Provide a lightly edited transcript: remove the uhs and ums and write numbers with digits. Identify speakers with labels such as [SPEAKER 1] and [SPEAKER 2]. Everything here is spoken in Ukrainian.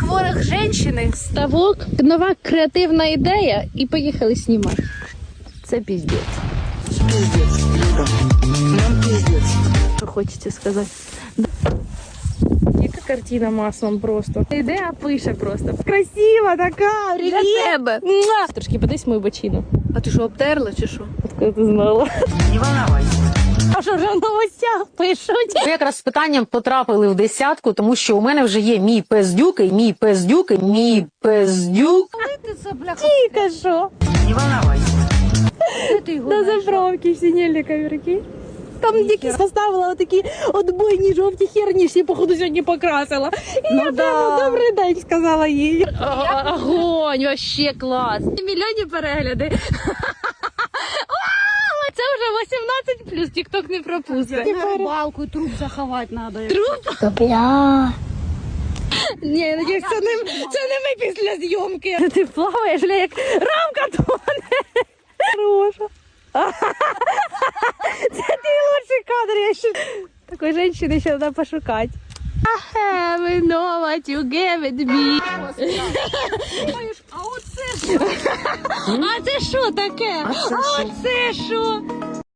[SPEAKER 1] ворог женщини.
[SPEAKER 2] Ставок, нова креативна ідея і поїхали знімати. Це піздець.
[SPEAKER 1] Пиздец, Люда. Нам пиздец.
[SPEAKER 2] Що хочеться сказати? Яка картина маслом просто. Ідея пише просто. Красива така,
[SPEAKER 1] Для тебе.
[SPEAKER 2] Трошки подивись мою бочину.
[SPEAKER 1] А ти що, обтерла чи що?
[SPEAKER 2] Откуда ти знала?
[SPEAKER 1] Не волновайся.
[SPEAKER 2] А що вже в новостях пишуть?
[SPEAKER 3] Ви якраз з питанням потрапили в десятку, тому що у мене вже є мій пес-дюк, і мій пес-дюк, і мій пес-дюк.
[SPEAKER 1] Ти це, бляха.
[SPEAKER 2] Тільки що?
[SPEAKER 1] Не волновайся. Де ти його
[SPEAKER 2] На
[SPEAKER 1] знайшла?
[SPEAKER 2] заправці сиділи кавірки. Там якісь поставила отакі отбойні жовті херні, всі, походу, сьогодні покрасила. І я прямо добрий день сказала їй. Огонь, вообще клас. Мільйонні перегляди. Це вже 18+, тік-ток не пропустить.
[SPEAKER 1] На рибалку труп заховати треба.
[SPEAKER 2] Труп? Бля. Ні, я надіюсь, це не ми після зйомки. Ти плаваєш, бля, як рамка тоне. Хороша. Це твій лучший кадр. Я ще... Такої жінки ще треба пошукати. I have know what you gave me. А це що таке? А оце що?